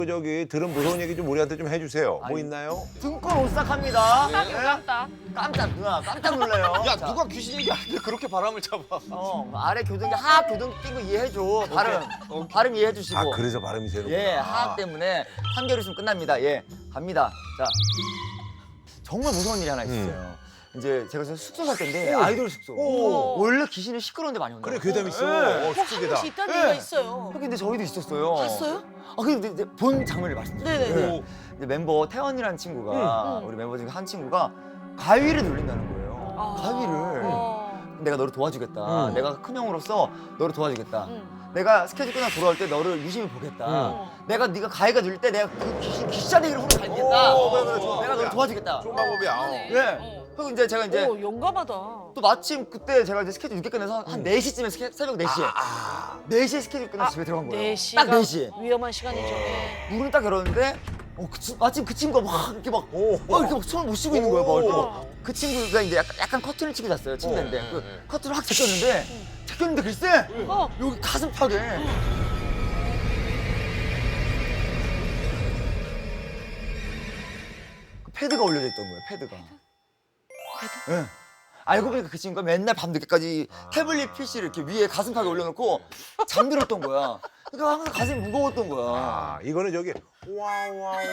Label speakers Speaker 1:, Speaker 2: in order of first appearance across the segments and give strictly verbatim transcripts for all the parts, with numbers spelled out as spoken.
Speaker 1: 그 저기 들은 무서운 얘기 좀 우리한테 좀 해주세요. 뭐
Speaker 2: 아니,
Speaker 1: 있나요?
Speaker 2: 등골 오싹합니다.
Speaker 3: 깜짝이야, 깜짝.
Speaker 2: 깜짝 누나 깜짝 놀래요.
Speaker 4: 야
Speaker 2: 자,
Speaker 4: 누가 귀신 얘기하는데 그렇게 바람을 잡아?
Speaker 2: 어 아래 교등기 하악 교등 낀 거 이해해줘. 발음 발음 이해해주시고.
Speaker 1: 아 그래서 발음이 새는구나.
Speaker 2: 예 하악 때문에 삼 개월 있으면 끝납니다. 예 갑니다. 자 정말 무서운 일이 하나 있었어요. 이제 제가 숙소 살 때인데 아이돌 숙소.
Speaker 1: 오.
Speaker 2: 원래 귀신이 시끄러운데 많이 온다.
Speaker 1: 그래 괴담 있어.
Speaker 2: 예.
Speaker 1: 어,
Speaker 3: 꼭 한
Speaker 1: 숙제다.
Speaker 3: 번씩 있다는
Speaker 2: 예.
Speaker 3: 얘기가 있어요.
Speaker 2: 근데 저희도 있었어요.
Speaker 3: 봤어요?
Speaker 2: 아 근데 이제 본 장면을 말씀드릴게요.
Speaker 3: 네네네.
Speaker 2: 예. 이제 멤버 태원이라는 친구가
Speaker 3: 음.
Speaker 2: 우리 멤버 중에 한 친구가 가위를 눌린다는 거예요.
Speaker 3: 아.
Speaker 2: 가위를.
Speaker 3: 어.
Speaker 2: 내가 너를 도와주겠다.
Speaker 1: 음.
Speaker 2: 내가 큰 형으로서 너를 도와주겠다.
Speaker 3: 음.
Speaker 2: 내가 스케줄 끝나고 돌아올 때 너를 유심히 보겠다.
Speaker 3: 음.
Speaker 2: 내가 네가 가위가 눌릴 때 내가 그 귀신 귀싸대기를 후로 갈겠다.
Speaker 1: 오, 그래, 그래, 좋아.
Speaker 2: 내가 너를 도와주겠다.
Speaker 1: 좋은 방법이야. 어.
Speaker 2: 예. 그리고 이제 제가 이제
Speaker 3: 오, 용감하다.
Speaker 2: 또 마침 그때 제가 이제 스케줄 늦게 끝내서 한 네 시쯤에 스케, 새벽 네 시에
Speaker 1: 아,
Speaker 2: 네 시에 스케줄 끝나서 집에 들어간 거예요.
Speaker 3: 네 시가
Speaker 2: 딱 네 시에.
Speaker 3: 위험한 시간이죠. 네.
Speaker 2: 문을 딱 열었는데 어, 그 친- 마침 그 친구가 막 이렇게 막,
Speaker 1: 오.
Speaker 2: 막 이렇게 막 손을 못 쉬고 있는 거예요. 막 이렇게
Speaker 3: 오.
Speaker 2: 막. 그 친구가 이제 약간, 약간 커튼을 치고 잤어요. 침대인데
Speaker 4: 어,
Speaker 2: 그
Speaker 4: 네, 네.
Speaker 2: 커튼을 확 제꼈는데 제꼈는데 글쎄
Speaker 3: 어.
Speaker 2: 여기 가슴팍에 그 패드가 올려져 있던 거예요. 패드가. 패드? 예. 알고 보니까 그 친구가 맨날 밤늦게까지 태블릿 피씨를 이렇게 위에 가슴팍에 올려놓고 잠들었던 거야. 그러니까 항상 가슴이 무거웠던 거야.
Speaker 1: 아 이거는 저기 와와와와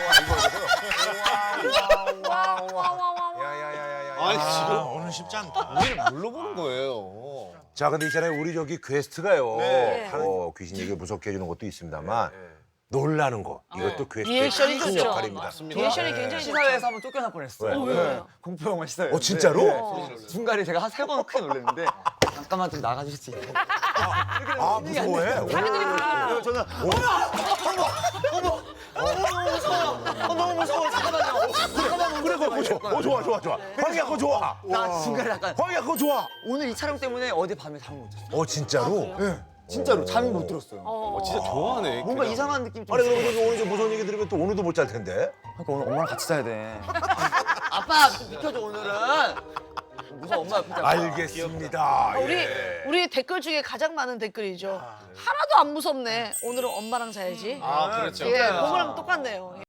Speaker 1: 이거거든. 와와와와. 야야야야야.
Speaker 4: 아니 지금
Speaker 5: 오늘 쉽지 않다.
Speaker 4: 우리를 물러보는 거예요.
Speaker 1: 자 근데 있잖아요 우리 저기 게스트가요.
Speaker 4: 네.
Speaker 1: 어, 귀신 얘기 무섭게 해주는 것도 있습니다만 놀라는 거 이것도 게스트의
Speaker 3: 리액션이
Speaker 1: 큰
Speaker 3: 좋죠.
Speaker 1: 역할입니다.
Speaker 4: 맞습니다.
Speaker 3: 리액션이
Speaker 1: 네.
Speaker 3: 굉장히
Speaker 2: 시사회에서 한번 쫓겨날 뻔했어요.
Speaker 1: 왜?
Speaker 3: 어, 왜, 왜요?
Speaker 2: 공포 영화 시사회.
Speaker 1: 어, 진짜로?
Speaker 3: 어.
Speaker 2: 중간에 제가 한 세 번 크게 놀랐는데 잠깐만 좀 나가주실 수 있나요?
Speaker 1: 아 무서워해. 오.
Speaker 2: 그래서 저는 어머 어머 어머 어머 무서워. 어, 너무 무서워. 잠깐만요. 잠깐만
Speaker 1: 그래 그거 좋아. 어 좋아 좋아 좋아. 황이야 그거 좋아.
Speaker 2: 나 중간에 약간
Speaker 1: 황이야 그거 좋아.
Speaker 2: 오늘 이 촬영 때문에 어제 밤에 잠을 못 잤어요.
Speaker 1: 어 진짜로?
Speaker 2: 예. 진짜로 잠이 못 들었어요.
Speaker 3: 어.
Speaker 4: 진짜 좋아하네.
Speaker 2: 뭔가
Speaker 4: 걔랑.
Speaker 2: 이상한 느낌이 좀
Speaker 1: 아니 그럼
Speaker 2: 있어요.
Speaker 1: 그럼 오늘 저 무서운 얘기 들으면 또 오늘도 못 잘 텐데.
Speaker 2: 그러니까 오늘 엄마랑 같이 자야 돼. 아빠 좀 비켜줘 오늘은. 무서워 엄마 옆에 자.
Speaker 1: 알겠습니다.
Speaker 3: 우리
Speaker 1: 예.
Speaker 3: 우리 댓글 중에 가장 많은 댓글이죠. 하나도 안 무섭네. 오늘은 엄마랑 자야지.
Speaker 4: 아 그렇죠.
Speaker 3: 예, 그거랑 똑같네요.